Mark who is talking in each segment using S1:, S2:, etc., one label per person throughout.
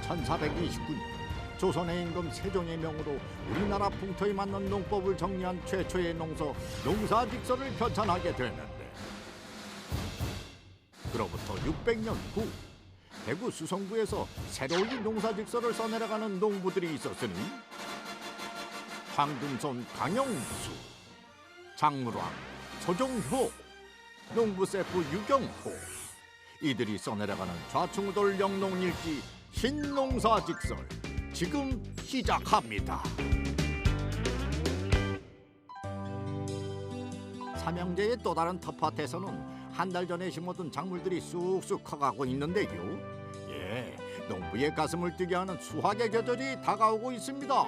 S1: 1429년 조선의 임금 세종의 명으로 우리나라 풍토에 맞는 농법을 정리한 최초의 농서 농사직서를 편찬하게 되는데, 그로부터 600년 후 대구 수성구에서 새로이 농사직서를 써내려가는 농부들이 있었으니 황금손 강영수, 장물왕 서종효, 농부 세프 유경호, 이들이 써내려가는 좌충우돌 영농일기 신농사직설 지금 시작합니다. 삼형제의 또 다른 텃밭에서는 한 달 전에 심어둔 작물들이 쑥쑥 커가고 있는데요. 예, 농부의 가슴을 뛰게 하는 수확의 계절이 다가오고 있습니다.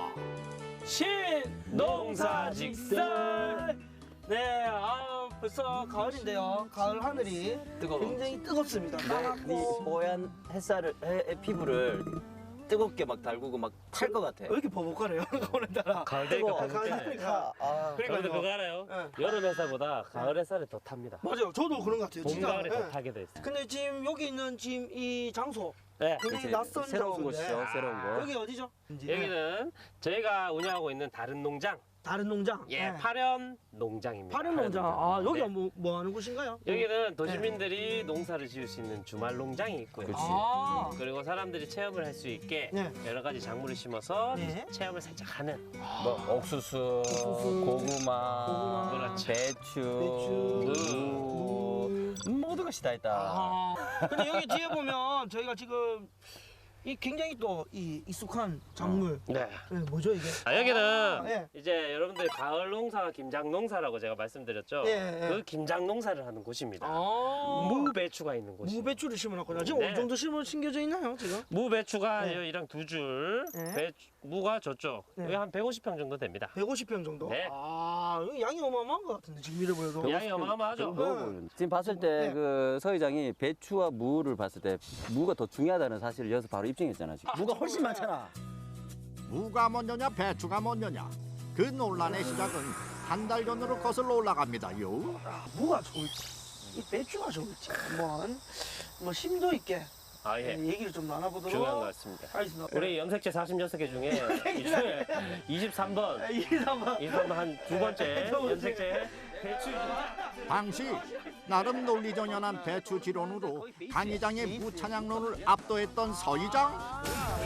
S2: 신농사직설. 네, 벌써 가을인데요. 가을 하늘이 굉장히 뜨겁습니다.
S3: 네 뽀얀 햇살을 피부를 뜨겁게 막 달구고 막 탈 것 같아.
S2: 왜 이렇게 버벅거려요? 오늘따라.
S4: 가을 되니까
S2: 가을
S4: 배고프네.
S2: 되니까.
S4: 그런데 그거 알아요?
S2: 네.
S4: 여름 햇살보다 가을 햇살이 더 탑니다.
S2: 맞아요. 저도 그런 것 같아요.
S4: 봄,
S2: 진짜.
S4: 가을에
S2: 네.
S4: 더 타게 돼 있어요.
S2: 근데 지금 여기 있는 지금 이 장소
S4: 네.
S2: 굉장히
S3: 그치,
S2: 낯선
S3: 새로운
S2: 장소인데.
S3: 곳이죠, 새로운 곳.
S2: 여기 어디죠?
S4: 여기는 저희가 운영하고 있는 다른 농장,
S2: 다른 농장.
S4: 예,
S2: 네.
S4: 파련 농장입니다.
S2: 파른 농장. 아, 여기가
S4: 네.
S2: 뭐 하는 곳인가요?
S4: 여기는 도시민들이 농사를 지을 수 있는 주말 농장이 있고요.
S3: 그치.
S2: 아,
S4: 그리고 사람들이 체험을 할 수 있게
S2: 네.
S4: 여러 가지 작물을 심어서
S2: 네.
S4: 체험을 살짝 하는.
S3: 뭐 옥수수, 고구마,
S4: 그렇죠.
S3: 배추, 모든 것이 다 있다.
S2: 아. 근데 여기 뒤에 보면 저희가 지금 이 굉장히 또 이 익숙한 작물.
S4: 네.
S2: 네, 뭐죠 이게?
S4: 여기는
S2: 예.
S4: 이제 여러분들 가을 농사가 김장 농사라고 제가 말씀드렸죠.
S2: 예, 예.
S4: 그 김장 농사를 하는 곳입니다.
S2: 아.
S4: 무배추가 있는 곳이.
S2: 무배추를 심어놨구나. 지금
S4: 네.
S2: 어느 정도 심겨져 있나요 지금?
S4: 무배추가
S2: 네.
S4: 여기랑 두 줄,
S2: 네.
S4: 무가 저쪽.
S2: 네.
S4: 여기 한 150평 정도 됩니다.
S2: 150평 정도?
S4: 네.
S2: 아, 여기 양이 어마어마한 것 같은데 지금 이래 보여도.
S4: 양이 어마어마하죠.
S3: 먹어 보이는데. 지금 봤을 때
S2: 네.
S3: 그 서회장이 배추와 무를 봤을 때 무가 더 중요하다는 사실을 여기서 바로 입증했잖아. 지금. 무가 훨씬 많잖아.
S1: 무가 먼저냐 배추가 먼저냐, 그 논란의 시작은 한 달 전으로 거슬러 올라갑니다요.
S2: 뭐가 좋을지, 이 배추가 좋을지 한번 뭐 심도 있게
S4: 아, 예.
S2: 얘기를 좀 나눠보도록
S4: 중요한 것 같습니다.
S2: 하겠습니다.
S4: 우리 염색체 46개 중에 이 중에 23번,
S2: 이 사람
S4: 23번 한 두 번째
S2: 두 번째.
S4: 염색체 배추.
S1: 당시 나름 논리정연한 배추 지론으로 강 이장의 무찬양론을 압도했던 서이장.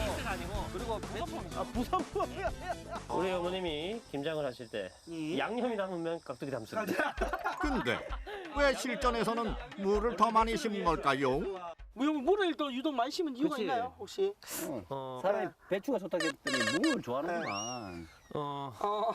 S4: 우리 어머님이 김장을 하실 때
S2: 예.
S4: 양념이 남으면 깍두기 담습니다.
S1: 근데 왜 실전에서는 무를 더 많이 심은 걸까요?
S2: 물을 또 유독 많이 심은 이유가
S3: 그치.
S2: 있나요 혹시?
S4: 어,
S3: 사람이 배추가 좋다고 했더니 무를 좋아하는구만.
S4: 어,
S2: 어,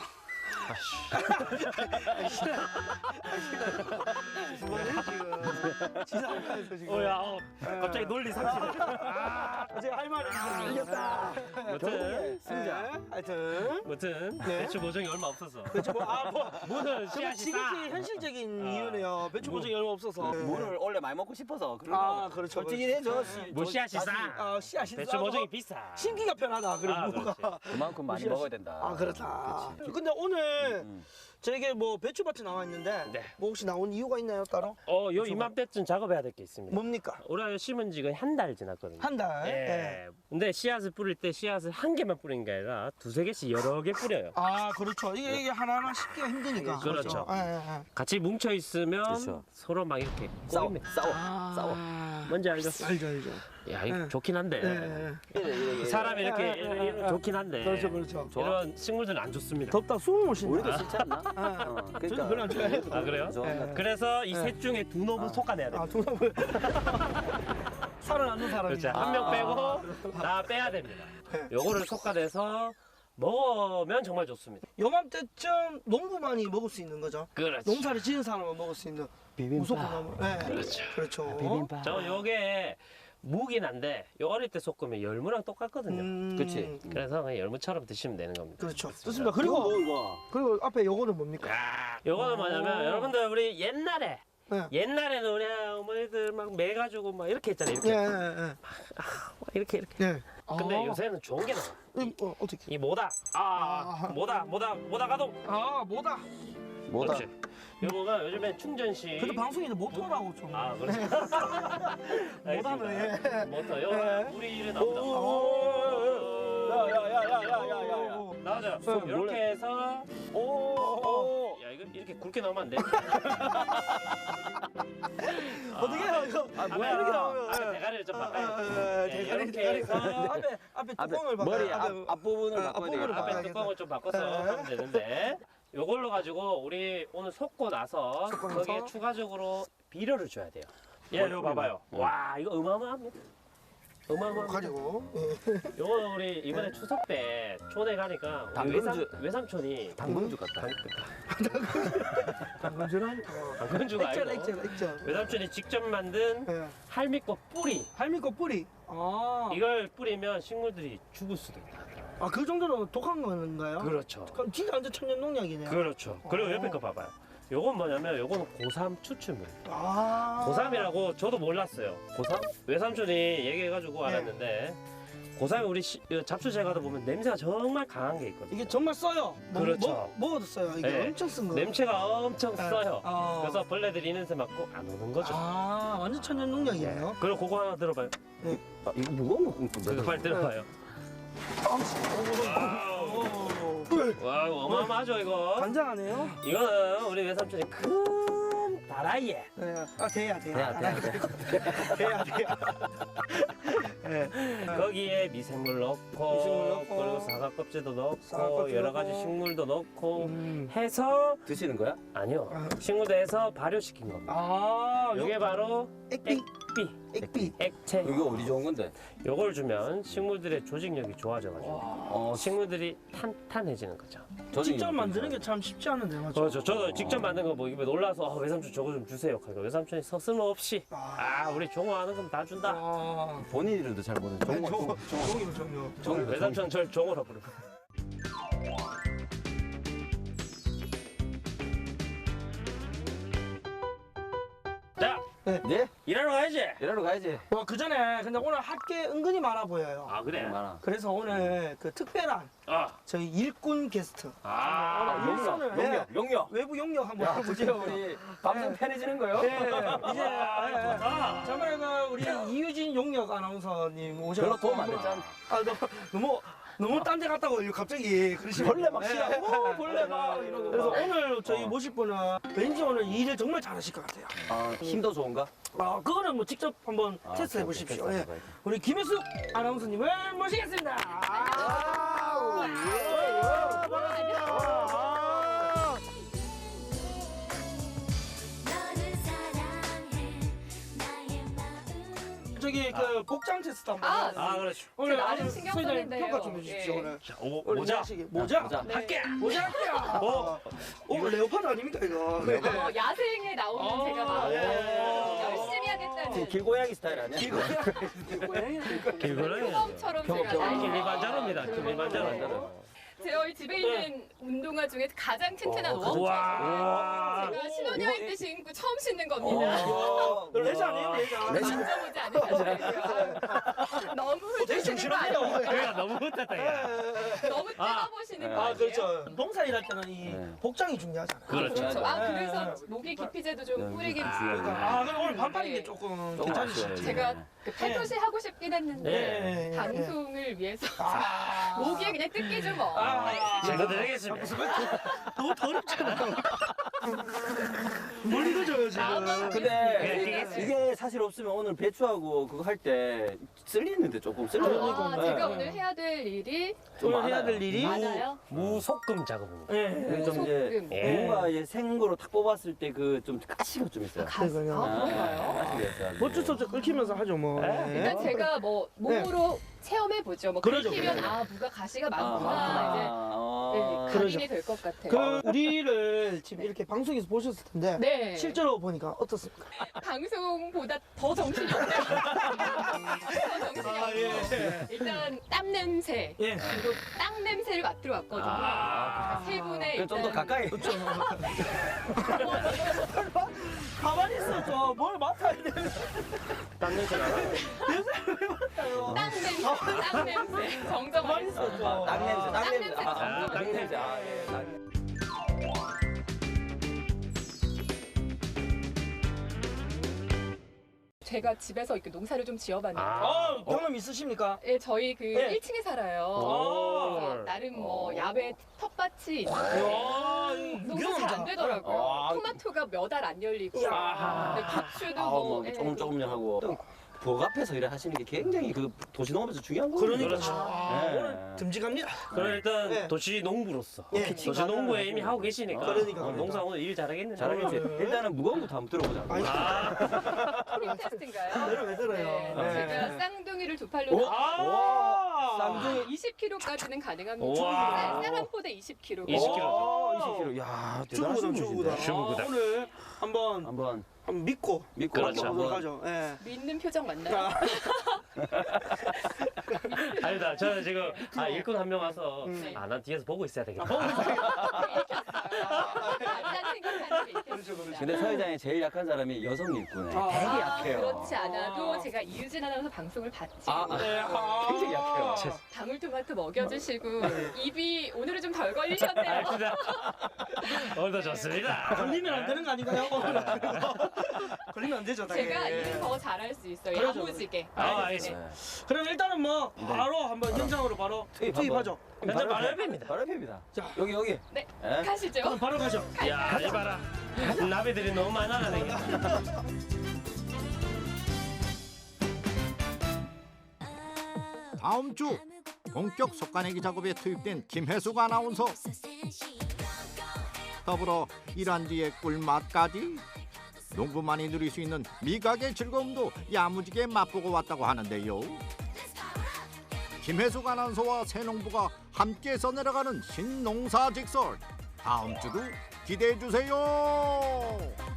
S2: 지금 지상파에서 지금
S4: 야, 갑자기 논리 상실.
S2: 제가 할 말이 있었다.
S4: 무튼,
S3: 승자.
S2: 하여튼
S4: 무튼
S2: 네.
S4: 배추 모종이 얼마 없어서
S2: 뭐
S4: 무는
S2: 정말
S4: 씨앗이
S2: 지극히
S4: 싸.
S2: 현실적인 이유네요. 배추 보증이 얼마 없어서.
S3: 무를 원래 많이 먹고 싶어서 그런
S2: 아,
S3: 거.
S2: 그렇죠,
S3: 솔직히
S2: 그렇죠.
S3: 해줘.
S4: 뭐 씨앗이 싸.
S2: 아, 씨앗이
S4: 배추
S2: 싸고
S4: 모종이 비싸.
S2: 심기가 편하다. 그리고
S4: 아,
S2: 뭐가
S3: 그만큼 많이
S2: 씨앗이-
S3: 먹어야 된다.
S2: 아, 그렇다.
S3: 그치.
S2: 근데 오늘
S3: 음.
S2: 저에게 뭐 배추밭이 나와 있는데
S4: 네.
S2: 뭐 혹시 나온 이유가 있나요 따로?
S4: 요 이맘때쯤 작업해야 될 게 있습니다.
S2: 뭡니까?
S4: 올해 심은 지가 한 달 지났거든요.
S2: 한 달.
S4: 예. 근데 씨앗을 뿌릴 때 씨앗을 한 개만 뿌리는 게 아니라 두세 개씩 여러 개 뿌려요.
S2: 아, 그렇죠. 이게 하나하나 씹기가 힘드니까.
S4: 그렇죠.
S2: 예, 예, 예.
S4: 같이 뭉쳐 있으면
S3: 그렇죠.
S4: 서로 막 이렇게
S3: 싸워,
S4: 꼬입니다.
S3: 싸워.
S4: 뭔지 알죠?
S2: 알죠, 알죠.
S4: 야, 이거
S2: 네.
S4: 좋긴 한데.
S2: 예, 예.
S3: 이래.
S4: 사람이 이렇게
S2: 예.
S4: 좋긴 한데.
S2: 그렇죠, 그렇죠.
S3: 좋아.
S4: 이런 식물들은 안 좋습니다.
S2: 덥다 숨을 못 쉰다.
S3: 우리도 싫지 않나?
S2: 저는 별로 안 좋아해요.
S4: 아, 그래요?
S3: 좋아한다.
S4: 그래서 이 셋 중에 두 놈은 솎아내야 돼요.
S2: 아, 동남을 살아남는 사람이.
S4: 그렇죠. 한 명 빼고 다 빼야 됩니다. 요거를 솎아내서 먹으면 정말 좋습니다.
S2: 요맘때쯤 농부만이 먹을 수 있는 거죠.
S4: 그렇죠.
S2: 농사를 지은 사람은 먹을 수 있는 무조건 나무. 네.
S4: 그렇죠.
S2: 그렇죠.
S4: 저 요게 무긴 한데 요 어릴 때 솎으면 열무랑 똑같거든요.
S3: 그치.
S4: 그래서 그냥 열무처럼 드시면 되는 겁니다.
S2: 그렇죠. 좋습니다. 그리고 앞에 요거는 뭡니까?
S4: 요거는 뭐냐면 여러분들 우리 옛날에
S2: 네.
S4: 옛날에는 우리 어머니들 막 매가지고 막 이렇게 했잖아요. 이렇게
S2: 예, 예, 예.
S4: 이렇게.
S2: 예.
S4: 근데
S2: 아.
S4: 요새는 좋은 게 나와.
S2: 어떻게?
S4: 이 모다. 모다 가동.
S2: 아, 뭐다.
S3: 뭐다?
S4: 그렇지. 요거가 요즘에 충전식.
S2: 근데 방송에는 모터라고 좀.
S4: 아, 그렇지.
S2: 모다는, 예.
S4: 모터. 요거 우리 일에 나온다.
S2: 오.
S4: 자,
S2: 네.
S4: 이렇게 해서 오. 야, 이거 이렇게 굵게 넣으면 안 돼.
S2: 어떻게 해요 이거?
S4: 뭐야?
S2: 이렇게 나오면.
S4: 앞에 대가리를 좀 바꿔야 돼.
S2: 대가리
S4: 이렇게 해서
S2: 앞에 뚜껑을 바꿔.
S3: 머리 앞부분을 바꿔야
S2: 앞부분을
S3: 되겠다.
S2: 바꿔야
S4: 앞에 뚜껑을 좀 바꿔서 하면 되는데 요걸로 가지고 우리 오늘 섞고 나서 거기에 추가적으로 비료를 줘야 돼요. 예, 이거 봐봐요. 와, 이거 어마어마합니다. 어마어마합니다.
S2: 가지고.
S4: 요거 우리 이번에 추석 때 촌에 가니까 우리
S3: 당근주.
S4: 외삼촌이
S3: 당근주 같다.
S2: 당근주란?
S4: 당근주가 아니고
S2: 액젓.
S4: 외삼촌이 직접 만든
S2: 예.
S4: 할미꽃 뿌리
S2: 할미꽃 뿌리. 아.
S4: 이걸 뿌리면 식물들이 죽을 수도 있다.
S2: 아, 그 정도로 독한 건가요?
S4: 그렇죠.
S2: 그럼 진짜 완전 천연 농약이네요.
S4: 그렇죠. 그리고 옆에 거 봐봐요. 요건 뭐냐면 요거는 고삼 추출물.
S2: 아.
S4: 고삼이라고 저도 몰랐어요.
S3: 고삼?
S4: 외삼촌이 얘기해가지고 알았는데 고삼이 우리 잡초제 가다 보면 냄새가 정말 강한 게 있거든요.
S2: 이게 정말 써요.
S4: 그렇죠.
S2: 먹어도 써요. 이게
S4: 네.
S2: 엄청 쓴 거.
S4: 냄새가 엄청
S2: 네.
S4: 써요.
S2: 아.
S4: 그래서 벌레들이 이 냄새 맡고 안 오는 거죠.
S2: 아, 완전 천연 농약이네요.
S4: 그리고 그거 하나 들어봐요.
S3: 아, 이거 무거운 거 꽁꽁
S4: 그거 빨리 들어봐요. 와, 이거 어마어마하죠 이거.
S2: 간장하네요.
S4: 이거는 우리 외삼촌이 큰 다라이에
S2: 네. 아, 돼야.
S3: 돼야.
S4: 거기에 미생물 넣고,
S2: 미생물 넣고,
S4: 그리고 사과 껍질도 넣고
S2: 사과 껍질
S4: 여러 가지
S2: 넣고.
S4: 식물도 넣고
S2: 음.
S4: 해서
S3: 드시는 거야?
S4: 아니요
S2: 아.
S4: 식물도 해서 발효시킨 겁니다.
S2: 아,
S4: 이게 바로
S2: 액비.
S4: 액비,
S2: 액비.
S4: 액체.
S3: 이거 어디 좋은 건데?
S4: 요걸 주면 식물들의 조직력이 좋아져가지고 식물들이 탄탄해지는 거죠.
S2: 직접 만드는 게 참 쉽지 않은데, 맞죠?
S4: 그렇죠. 저도 직접 만든 거 보고 놀라서 외삼촌 저거 좀 주세요. 그러니까 외삼촌이 서슴없이 우리 종호하는 건 다 준다.
S2: 아.
S3: 본인 이름도 잘 모르는
S2: 종이로.
S4: 외삼촌 절 종호라 부르고. 자,
S3: 네?
S4: 일하러 가야지.
S3: 일하러 가야지.
S2: 와, 그 전에 근데 오늘 할 게 은근히 많아 보여요.
S4: 아 그래.
S3: 많아.
S2: 그래서 오늘 그 특별한
S4: 아,
S2: 저희 일꾼 게스트
S3: 용역,
S2: 예.
S3: 용역.
S2: 외부 용역 한번
S3: 야, 드디어
S2: 해보죠.
S3: 우리 방송 편해지는 거요?
S2: 예, 이제
S4: 좋다.
S2: 저번에 그 우리 이유진 용역 아나운서님
S3: 별로
S2: 오셔서
S3: 도움 안 됐잖아.
S2: 너무 딴 데 갔다고 갑자기 그러시면
S3: 벌레 막 싫어. 벌레 막 이러고.
S2: 그래서
S3: 막.
S2: 오늘 저희 모실 분은 왠지 오늘 일을 정말 잘하실 것 같아요.
S3: 아, 힘도 좋은가?
S2: 그거는 뭐 직접 한번 테스트해
S3: 오케이,
S2: 보십시오.
S3: 오케이,
S2: 예.
S3: 테스트
S2: 우리 김혜숙 아나운서님을 모시겠습니다.
S5: 너를 사랑해 나의 마음
S2: 저기 그 복장 테스트 한번
S6: 아,
S2: 해야 되는데
S4: 아 그렇죠.
S2: 오늘
S6: 나름
S2: 아주
S6: 신경
S2: 소희님
S6: 썼는데요.
S2: 평가 좀 해주십시오.
S6: 예.
S2: 오늘
S4: 자,
S2: 오늘
S4: 모자.
S2: 하시기. 모자?
S3: 모자.
S6: 네.
S4: 할게.
S2: 모자 할게요. 오, 레오파드 아닙니까 이거?
S6: 야생에 나오는 제가 막 열심히 하겠다는
S3: 길고양이 스타일 아니야?
S4: 길고양이.
S6: 표범처럼 제가
S4: 길리반자로입니다. 길리반자로.
S6: 저희 집에 있는 운동화 중에 가장 튼튼한 웜.
S4: 와.
S6: 제가 신혼여행 때 신고 처음 신는 겁니다.
S2: 레자 아니에요 레자?
S6: 만져보지 않으셨어요. 너무
S2: 되게
S6: 훑으시는 거 아니에요?
S2: 정신없네요.
S4: 그래가 너무 못했다 야.
S6: 너무 뜯어보시는 거
S2: 아
S6: 아니에요?
S2: 그렇죠. 봉사 일할 때는 이
S3: 네.
S2: 복장이 중요하잖아요.
S4: 그렇죠.
S6: 그렇죠. 아
S2: 네.
S6: 그래서 목에 기피제도 좀 뿌리긴
S2: 아 그럼 오늘 반팔인 게
S6: 네.
S2: 조금
S3: 조금
S2: 괜찮으시죠?
S3: 아쉬워요.
S6: 제가 그 팔토시 하고 싶긴 했는데
S2: 네.
S6: 방송을 위해서
S2: 아.
S6: 목에 그냥 뜯기죠 뭐.
S4: 제가 드리겠습니다.
S2: 너무 더럽잖아요. 뭘 읽어줘요 지금.
S3: 근데 이게 사실 없으면 오늘 배추하고 그거 할 때 쓸리는데 조금 쓸려요.
S6: 아,
S3: 네.
S6: 제가 오늘 해야 될 일이
S3: 좀
S2: 오늘 해야
S3: 많아요.
S2: 될 일이
S6: 많아요.
S4: 무속금 작업입니다.
S2: 네.
S3: 좀 이제
S6: 소금.
S4: 예.
S3: 무가 이제 생거로 탁 뽑았을 때 그 좀 가시가 좀 있어요.
S2: 그러니까요.
S6: 그런가요?
S3: 가시가 있어요.
S2: 어쩔 수 없죠. 끓이면서 하죠 뭐. 네.
S6: 일단 제가 뭐 몸으로 체험해 보죠. 뭐
S2: 그러죠,
S6: 긁히면
S2: 그러죠.
S6: 아 무가 가시가 많구나 이제 네, 각인이 될 것 같아요.
S2: 그 우리를 지금 이렇게 방송에서 보셨을 텐데
S6: 네.
S2: 실제로 보니까 어떻습니까?
S6: 방송보다 더 정신이 없네요. 더 정신이 없고 일단 땀 냄새
S2: 예.
S6: 그리고 땅 냄새를 맡으러 왔거든요. 세 분의
S3: 좀 더
S6: 일단
S3: 가까이.
S2: 가만히 있어 저뭘 맡아야 돼.
S4: 땀 냄새 나나?
S6: 땅 냄새, 땅 냄새 정정
S2: 가만히 있어 저.
S3: 땅 냄새, 땅
S6: 땅
S3: 냄새.
S6: 냄새.
S3: 아,
S4: 땅
S3: 땅
S4: 냄새.
S3: 냄새. 아, 예, 땅 냄새.
S6: 제가 집에서 이렇게 농사를 좀 지어봤는데
S2: 경험 있으십니까?
S6: 예, 저희 그
S2: 네.
S6: 1층에 살아요.
S2: 오.
S6: 그래서 나름 뭐 야외 텃밭이 있는데
S2: 야,
S6: 농사 잘 안 되더라고요. 토마토가 몇 알 안 열리고 근데 고추도
S3: 뭐
S6: 예,
S3: 조금 하고 복 앞에서 일을 하시는 게 굉장히 그 도시농업에서 중요한 거예요.
S2: 그러니까
S3: 네.
S2: 오늘 듬직합니다.
S4: 그럼 일단
S2: 네.
S4: 도시 농부로서
S2: 예.
S4: 도시 농부에 이미 하고 계시니까
S2: 그러니까.
S4: 농사 오늘 일 잘하겠는데.
S3: 잘하겠지. 일단은 무거운 것부터 한번 들어보자.
S6: 토닝 테스트인가요?
S2: 내려 왜 들어요?
S6: 네. 제가 쌍둥이를 두 팔로
S3: 쌍둥이
S6: 20kg까지는 가능합니다.
S4: 우와.
S6: 쌀 한 포대 20kg.
S4: 20kg.
S3: 20kg. 야,
S2: 주부구다,
S3: 대단하신
S2: 주부구다.
S3: 분이신데.
S4: 주부구다.
S2: 오늘 한번
S3: 한번
S2: 믿고
S4: 그렇죠.
S2: 한번 가죠. 예.
S6: 믿는 표정 맞나요?
S4: 아니다. 저는 지금 일꾼 한 명 와서 난 뒤에서 보고 있어야 되겠다.
S6: 맞다는 생각하는 게 있겠습니다.
S3: 근데 사회장에 제일 약한 사람이 여성 일꾼에 되게 약해요.
S6: 그렇지 않아도 제가 이유진 아나운서 방송을 봤지.
S3: 굉장히 약해요.
S6: 방울토마토 먹여주시고 입이 오늘은 좀 덜 걸리셨네요.
S4: 오늘도 좋습니다.
S2: 걸리면 안 되는 거 아닌가요? 걸리면 안 되죠. 당연히.
S6: 제가 일을 더 잘할 수 있어요.
S2: 그러죠.
S6: 야무지게.
S4: 알겠습니다.
S2: 그럼 일단은 뭐 바로 한번 현장으로 바로 투입하죠.
S4: 현장 바로 옆입니다.
S3: 바로 옆입니다.
S2: 자.
S3: 여기.
S6: 네,
S3: 예?
S6: 가시죠.
S2: 그럼 바로 가죠.
S4: 야, 이봐라. 나비들이 너무 많아가네.
S1: 다음 주 본격 속가내기 작업에 투입된 김혜숙 아나운서. 더불어 일한 뒤의 꿀맛까지 농부만이 누릴 수 있는 미각의 즐거움도 야무지게 맛보고 왔다고 하는데요. 김혜숙 아나운서와 새농부가 함께 써내려가는 신농사직설, 다음 주도 기대해 주세요.